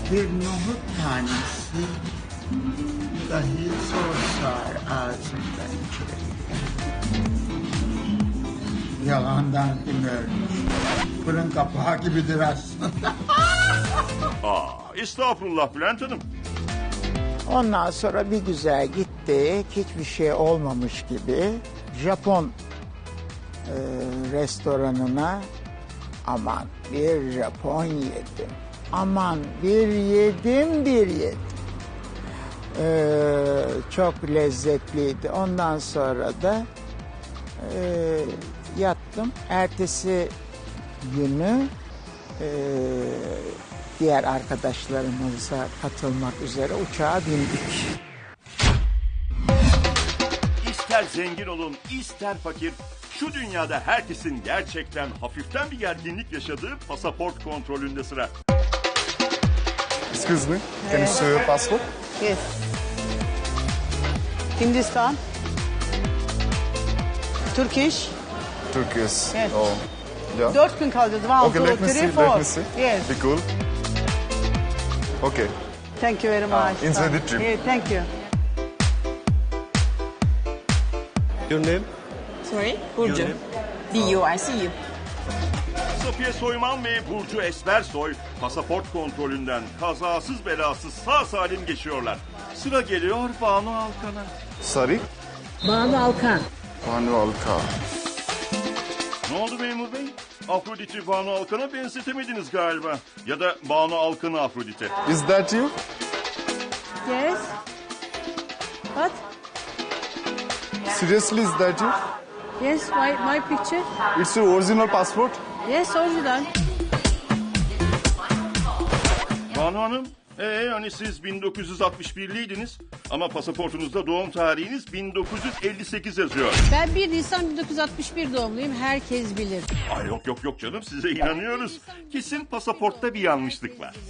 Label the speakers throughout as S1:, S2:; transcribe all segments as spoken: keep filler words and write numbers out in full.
S1: bir nohut tanesi dahi zor sığar ağzımdan içeri. Yalandan kim ölmüş? Fırın kapağı gibidir aslında.
S2: Aa, estağfurullah Bülent Hanım.
S1: Ondan sonra bir güzel gittik. Hiçbir şey olmamış gibi. Japon e, restoranına aman bir Japon yedim. Aman bir yedim bir yedim. Ee, çok lezzetliydi. Ondan sonra da e, yattım. Ertesi günü e, diğer arkadaşlarımıza katılmak üzere uçağa bindik.
S2: İster zengin olun, ister fakir, şu dünyada herkesin gerçekten hafiften bir gerginlik yaşadığı pasaport kontrolünde sıra.
S3: Excuse me, can you show your passport?
S4: Yes. Hindistan. Turkish.
S3: Turkish.
S4: Yes.
S3: Oh, yeah.
S4: Dört gün kalacağız. One,
S3: Okay,
S4: two,
S3: let me
S4: three,
S3: see.
S4: four.
S3: Let me see.
S4: Yes.
S3: Be cool. Okay.
S4: Thank you very much.
S3: Ah, enjoy the trip.
S4: Yeah, thank you.
S5: Your name?
S6: Sorry? Burcu. B U I C U.
S2: Safiye Soyman ve Burcu Esmersoy pasaport kontrolünden kazasız belasız sağ salim geçiyorlar. Sıra geliyor Banu Alkan'a.
S3: Sorry?
S7: Banu Alkan.
S3: Banu Alka.
S2: Ne oldu memur bey? Afrodit'i Banu Alkan'a benzetemediniz galiba. Ya da Banu Alkan'ı Afrodit'e.
S3: Is that you?
S4: Yes. What?
S3: Seriously, is that you?
S4: Yes, my, my picture.
S3: It's your original passport?
S4: Yes, original.
S2: Banu Hanım, ee, hani siz bin dokuz yüz altmış birliydiniz ama pasaportunuzda doğum tarihiniz bin dokuz yüz elli sekiz yazıyor.
S7: Ben bir Nisan bin dokuz yüz altmış bir doğumluyum. Herkes bilir.
S2: Ay yok yok yok canım, size inanıyoruz. Kesin pasaportta bir yanlışlık var.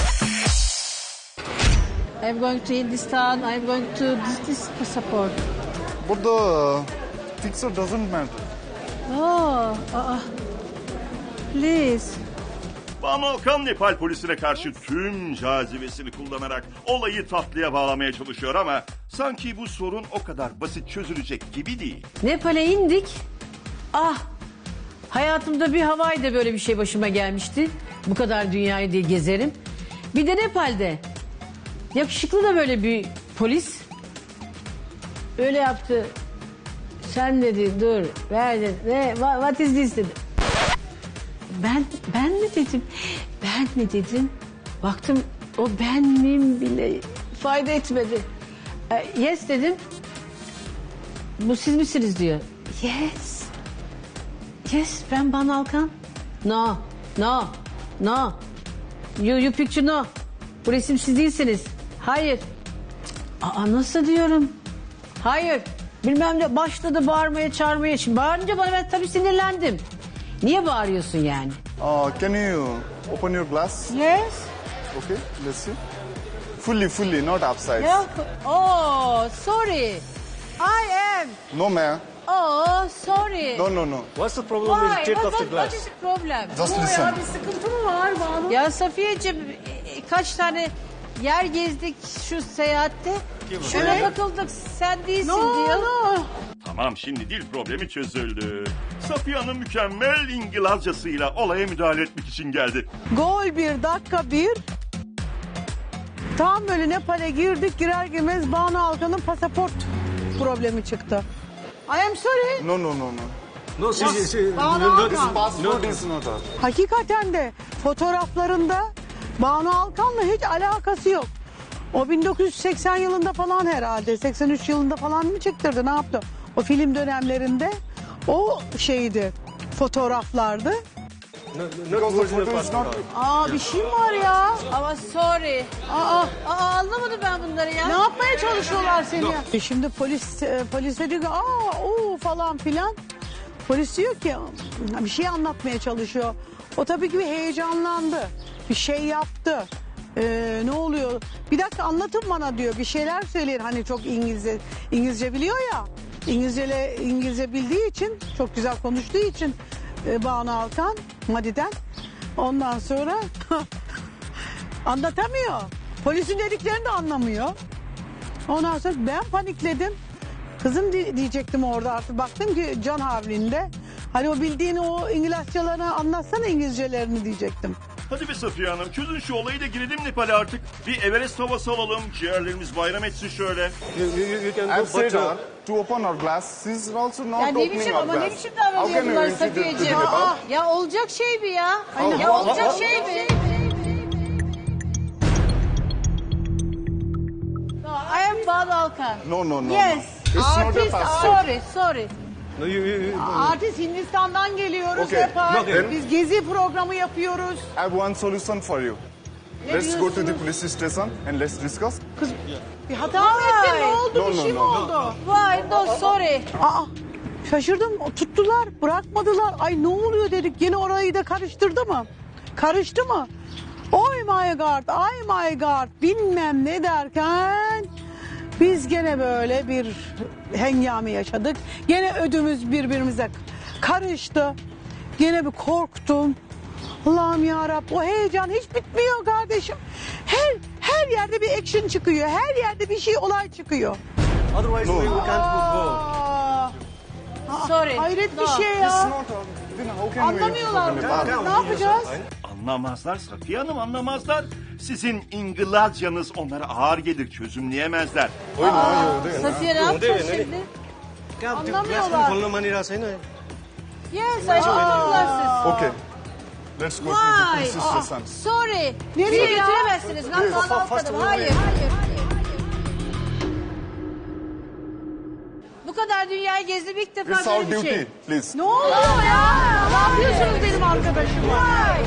S7: I'm going to Hindistan. I'm going to this, this passport.
S3: But the uh, picture doesn't matter.
S7: Oh, uh, please.
S2: Banu Alkan Nepal polisine karşı tüm cazibesini kullanarak olayı tatlıya bağlamaya çalışıyor ama sanki bu sorun o kadar basit çözülecek gibi değil.
S7: Nepal'e indik. Ah, hayatımda bir Hawaii'de böyle bir şey başıma gelmişti. Bu kadar dünyayı diye gezerim. Bir de Nepal'de. Yakışıklı da böyle bir polis. Öyle yaptı. Sen dedi dur ver dedi. Ne, what is this dedi. Ben, ben mi dedim? Ben mi dedim? Baktım o ben miyim bile fayda etmedi. E, yes dedim. Bu siz misiniz diyor. Yes. Yes ben Banu Alkan. No. No. No. You, you picture no. Bu resim siz değilsiniz. Hayır. Aa nasıl diyorum? Hayır. Bilmem ne başladı bağırmaya çağırmaya. Şimdi bağırınca bana ben tabii sinirlendim. Niye bağırıyorsun yani?
S3: Uh, can you open your glass?
S4: Yes.
S3: Okay, let's see. Fully, fully, not upside.
S7: Yok. Oh, sorry. I am.
S3: No, ma'am.
S7: Oh, sorry.
S3: No, no, no.
S5: What's the problem with the
S7: Why?
S5: state
S7: What,
S5: of the
S7: what, what
S5: glass?
S7: is the problem?
S3: Just listen.
S4: Bir sıkıntı mı var Banu?
S7: Ya Safiyeciğim e, kaç tane yer gezdik şu seyahatte. Şuna
S4: Evet.
S7: katıldık sen değilsin
S4: No,
S7: diyor.
S4: no.
S2: Tamam, şimdi dil problemi çözüldü. Safiye Hanım mükemmel İngilizcesiyle olaya müdahale etmek için geldi.
S4: Gol bir, dakika bir. Tam böyle Nepal'e girdik, girer girmez Banu Alkan'ın pasaport problemi çıktı. I am sorry.
S3: No, no, no, no.
S5: No, she, she, she
S4: Banu
S5: no,
S4: Alkan.
S3: Passport is not us.
S4: Hakikaten de fotoğraflarında Banu Alkan'la hiç alakası yok. O bin dokuz yüz seksen yılında falan herhalde, seksen üç yılında falan mı çektirdi, ne yaptı? O film dönemlerinde o şeydi, fotoğraflardı.
S5: no, not
S3: Because the
S5: original
S3: photo is
S5: passport.
S3: not...
S4: Aa bir şey mi var ya?
S7: Ama sorry.
S4: Aa,
S7: Aa anlamadım ben bunları ya.
S4: ne yapmaya çalışıyorlar seni ya? E Şimdi polis e, polise diyor ki aa o falan filan. Polis diyor ki bir şey anlatmaya çalışıyor. O tabii ki bir heyecanlandı. Bir şey yaptı. Ee, ne oluyor? Bir dakika anlatın bana diyor. Bir şeyler söyleyin. Hani çok İngilizce İngilizce biliyor ya. İngilizce İngilizce bildiği için, çok güzel konuştuğu için e, Banu Alkan Madi'den. Ondan sonra Anlatamıyor. Polisin dediklerini de anlamıyor. Ondan sonra ben panikledim. Kızım di- diyecektim orada artık. Baktım ki can havlinde. Hani o bildiğini o İngilizcelerini anlatsana İngilizcelerini diyecektim.
S2: Hadi be Safiye Hanım çözün şu olayı da girelim Nepal'e artık. Bir Everest havası alalım. Ciğerlerimiz bayram etsin şöyle.
S5: You, you, you, you can
S3: I've
S5: go,
S3: said
S5: but uh,
S3: her to open her glass. She's also not
S8: Ya ne
S3: opening
S8: biçim
S3: her
S8: ama
S3: glass.
S8: ne biçim
S3: How can you
S8: davranıyorlar
S3: introduce to
S8: Safiyeciğim?
S3: Nepal?
S8: Aa, ya olacak şey mi ya?
S3: Aynen.
S8: Ya olacak şey mi? No, I am Banu Alkan.
S3: No, no, no.
S8: Yes.
S3: no. It's not a
S8: Artist,
S3: passport.
S8: sorry, sorry.
S5: no, you, you, you,
S4: Artist Hindistan'dan geliyoruz
S3: Okay.
S4: Nepal.
S5: Okay.
S4: Biz gezi programı yapıyoruz.
S3: I have one solution for you. Let's go to the police station and let's discuss.
S4: Kız bir hata mı ettin? Ne oldu?
S3: No,
S4: Bir
S3: no,
S4: şey mi
S3: no.
S4: oldu?
S8: Why? No, sorry.
S4: Aa, şaşırdım. Tuttular, bırakmadılar. Ay ne oluyor dedik. Yine orayı da karıştırdı mı? Karıştı mı? Oh my god, ay my god bilmem ne derken biz gene böyle bir hengame yaşadık. Gene ödümüz birbirimize karıştı. Gene bir korktum. Allah'ım yarabbim o heyecan hiç bitmiyor kardeşim. Her her yerde bir action çıkıyor. Her yerde bir şey olay çıkıyor.
S5: otherwise we, we can't go.
S4: Aa,
S8: Sorry.
S4: hayret bir
S8: No.
S4: şey
S3: It's
S4: ya.
S3: not a, then how can we
S4: Anlamıyorlar.
S3: enter the Nepal?
S4: Ne yapacağız?
S2: Anlamazlar Safiye Hanım anlamazlar. Sizin İngilizcanız onlara ağır gelir çözümleyemezler.
S8: Safiye ne yapacağız
S5: ne-
S8: şimdi?
S5: क्या आप
S4: Anlamıyorlar.
S5: glass में खोल्न मानिरहेको छैन
S8: Yes, I want glasses.
S3: Okay. Let's go to the
S8: Why?
S3: police station.
S8: Sorry.
S4: Nereye
S8: Beni
S4: ya?
S8: götüremezsiniz. Ben
S5: Yes.
S8: Banu
S5: First
S8: Alkan'ım.
S5: of all,
S8: Hayır, hayır, hayır. Bu kadar dünyayı gezdim ilk defa
S3: It's our
S8: böyle bir
S3: duty,
S8: şey.
S3: please.
S4: Ne oluyor ya? Ne yapıyorsunuz benim arkadaşıma?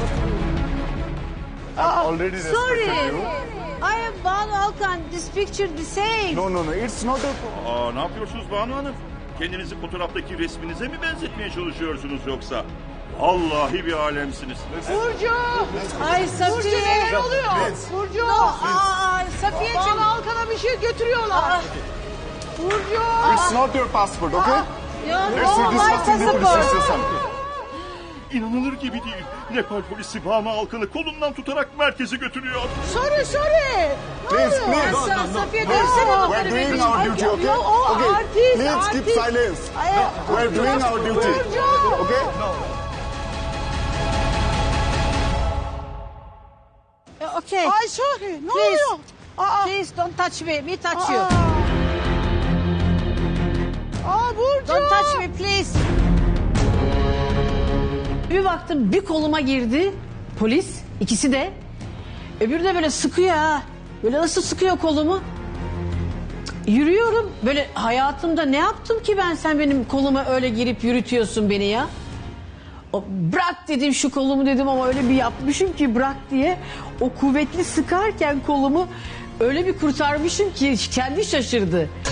S3: I've already
S8: Sorry.
S3: respected you.
S8: I am Banu Alkan. This picture the same.
S3: No, no, no. It's not a...
S2: Aa ne yapıyorsunuz Banu Hanım? Kendinizi fotoğraftaki resminize mi benzetmeye çalışıyorsunuz yoksa? Vallahi bir alemsiniz.
S4: Burcu!
S8: Ay
S4: Burcu
S8: Safiye.
S4: neler oluyor? Burcu!
S8: No, aa, Safiyeciğim.
S4: Bana Alkan'a bir şey götürüyorlar. Burcu!
S3: It's not your passport, okay?
S8: Yo,
S3: Let's
S8: no, my
S3: discuss in the police
S8: passport.
S3: station.
S2: İnanılır gibi değil. Nepal polisi Banu Alkan'ı kolundan tutarak merkeze götürüyor.
S4: Sorry, sorry!
S3: Please, please.
S8: Sa- Safiye
S3: Please,
S8: dönsene
S3: we're
S8: bunları
S3: doing
S8: benim.
S3: our duty, okay?
S4: Yo, o
S3: Okay,
S4: artist,
S3: please keep
S4: artist.
S3: silence.
S4: Ay,
S3: We're doing our duty,
S4: Burcu!
S3: okay?
S8: Okay.
S4: Ay sorry, ne
S8: Please.
S4: oluyor? Aa,
S8: Please don't touch me. Me touch you.
S4: aa. Aa Burcu!
S8: Don't touch me please.
S7: Bir baktım bir koluma girdi polis ikisi de. Öbürü de böyle sıkıyor ha. Böyle nasıl sıkıyor kolumu. Yürüyorum böyle hayatımda ne yaptım ki ben sen benim koluma öyle girip yürütüyorsun beni ya. O, bırak dedim şu kolumu dedim ama öyle bir yapmışım ki bırak diye. O kuvvetli sıkarken kolumu öyle bir kurtarmışım ki kendi şaşırdı.